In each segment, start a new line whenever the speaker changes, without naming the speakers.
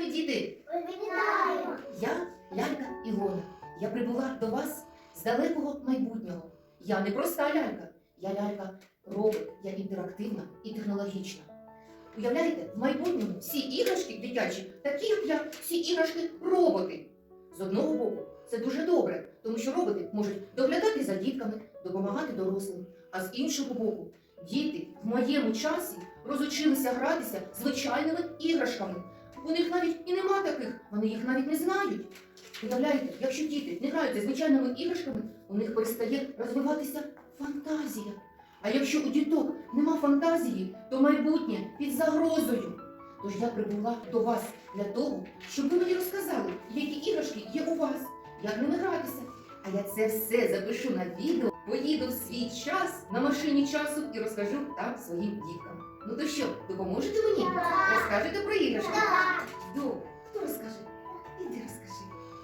мої діти!
Вітаю!
Я лялька Ілона. Я прибула до вас з далекого майбутнього. Я не проста лялька. Я лялька-робот. Я інтерактивна і технологічна. Уявляєте, в майбутньому всі іграшки дитячі, такі як я, всі іграшки роботи. З одного боку, це дуже добре, тому що роботи можуть доглядати за дітками, допомагати дорослим. А з іншого боку, діти в моєму часі розучилися гратися звичайними іграшками. У них навіть і нема таких, вони їх навіть не знають. Уявляєте, якщо діти не граються звичайними іграшками, у них перестає розвиватися фантазія. А якщо у діток нема фантазії, то майбутнє під загрозою. Тож я прибула до вас для того, щоб ви мені розказали, які іграшки є у вас, як ними гратися. А я це все запишу на відео, поїду в свій час на машині часу і розкажу там своїм діткам. Ну то що, допоможете мені? Розкажете про іграшки? Добре. Хто розкаже? Іди розкажи.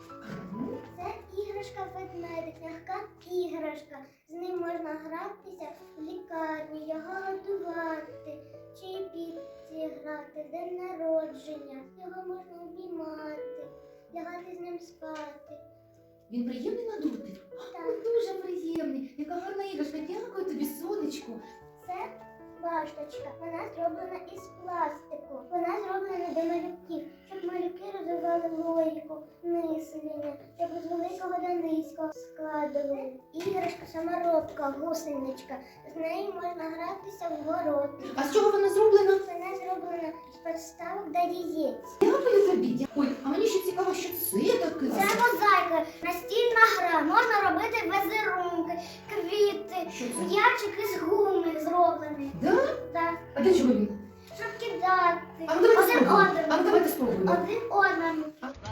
Ну?
Це іграшка-ведмедик, м'яка іграшка. З ним можна гратися в лікарні, його годувати, чи піці грати, день народження. Його можна обіймати, лягати з ним спати.
Він приємний на дотик?
Так.
Дуже приємний. Яка гарна іграшка. Дякую тобі, сонечко.
Це башточка. Вона зроблена із пластику. Вона зроблена для малюків, щоб малюки розвивали логіку, мислення, щоб з великого до низького складували. Іграшка саморобка, гусеничка. З нею можна гратися в город.
А з чого вона зроблена?
Вона зроблена з підставок до яєць.
Дякую тобі. Ой, а мені ще цікаво, що це таке.
Це мозаїка, настільна гра. Можна робити візерунки, квіти,
Що це?
м'ячики з гуми зроблені.
Да?
Так.
А для чого він?
Щоб кидати.
А ну давайте
Один
спробуємо.
одному.
А ну давайте спробуємо.
Один одному.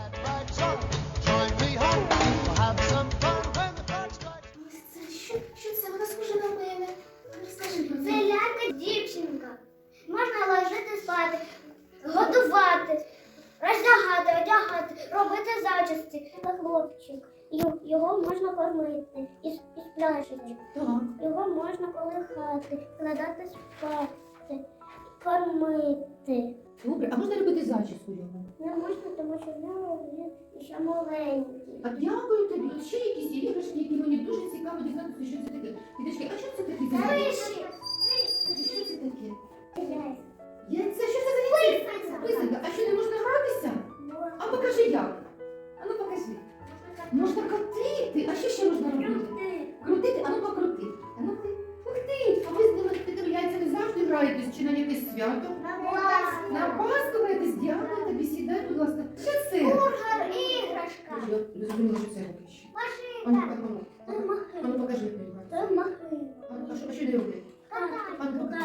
Join me home, we'll have some fun when the clock strikes.
Ось це що це? Вона схожа на мене. Розкажи про
Це
це.
лялька дівчинка. Можна ложити спати, годувати, роздягати, одягати, робити зачісті. Це хлопчик. Його можна кормити із пляшечок.
Так.
Його можна колихати, кладати спати, кормити.
Добре, а можна робити зачіску йому?
Не можна, тому що в нього він ще маленький.
А дякую тобі. Ще якісь іграшки, які мені дуже цікаво дізнатися, що це таке. Діточки, а що це таке?
Криші.
Що це таке?
Яйця.
Яйце? Що це за яйце? Писанка. А що, не можна гратися? А покажи як. А ну покажи. Можна крутити. А що ще можна робити? Крутити? А ну покрути. А ну ти. Ух ти! А ви з ними тепер яйцями завжди граєтесь чи на якесь свято? На Пасху граєтесь? Дякую тобі. Сідай, будь ласка. Що це?
Бургер, іграшка.
Я не зрозуміла, що це поки що. А ну,
Машинка.
а ну, а ну покажи, як вони грають.
Це машина.
А ну, а що не роблять? А ну покажи.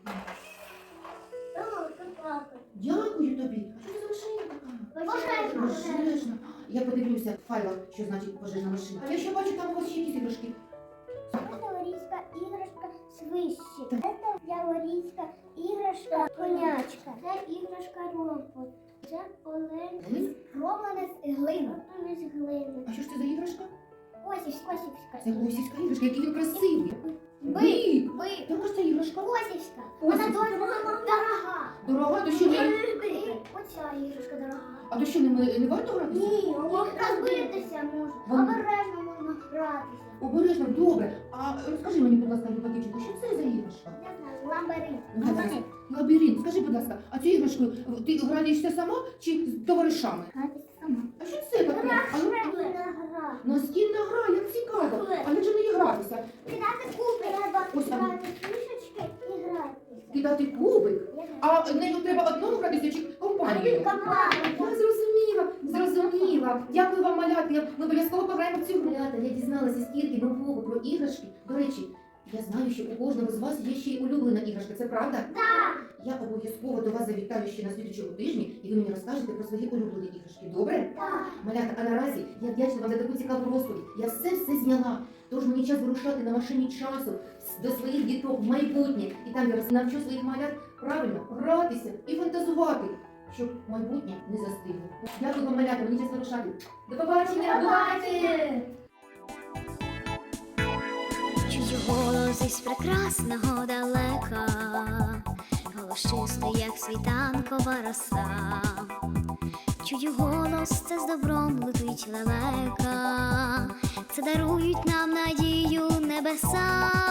Дякую тобі. А що це за машина така?
Пожежна.
Пожежна. Я подивлюся в файлах, що значить пожежна машина. А я ще бачу, там у вас ще якісь іграшки.
Це яворійська іграшка свищик. Це яворійська іграшка конячка. Це іграшка робот. Це олень
Олень?
зроблене з глини. Зроблене з глини.
А що ж це за іграшка?
Косівська.
Це гусівська іграшка, який він красивий.
Бик.
Яка ж це іграшка?
Косівська. Вона
Косівська.
дуже дорога.
Дорога, то що не...
Оця іграшка дорога.
А то що не варто гратися?
Ні, розбитися можна.
Вон-
Обережно можна гратися.
Обережно, добре. А розкажи мені, будь ласка, Люба дівчинка, що це за іграшка?
Не знаю, лабіринт.
Ну, гаразд. Лабіринт. Скажи, будь ласка, а цю іграшку ти граєшся сама чи з товаришами?
Гратися сама.
А що це таке? А ну,
Гра.
настільна гра, як цікаво. А як же мені гратися?
Кидати кубик. Треба
Ось там.
брати фішечки і грати.
Кидати кубик? А нею треба одному гратися чи компанією? Я зрозуміла. Дякую вам, малята. Ми обов'язково пограємо в цю гру. Малята, я дізналася стільки нового про іграшки. До речі, я знаю, що у кожного з вас є ще й улюблена іграшка. Це правда?
Так.
Я обов'язково до вас завітаю ще на слідчому тижні, і ви мені розкажете про свої улюблені іграшки. Добре?
Так.
Малята, а наразі я вдячна вам за таку цікаву розповідь. Я все зняла. Тож мені час вирушати на машині часу до своїх діток в майбутнє. І там я навчу своїх малят правильно гратися і фантазувати, щоб майбутнє не застигло. Дякую вам, малята, мені час вирушати. До побачення! Бувайте!
Чую голос із прекрасного далека, голос чистий, як світанкова роса. чую голос, це з добром летить лелека, це дарують нам надію небеса.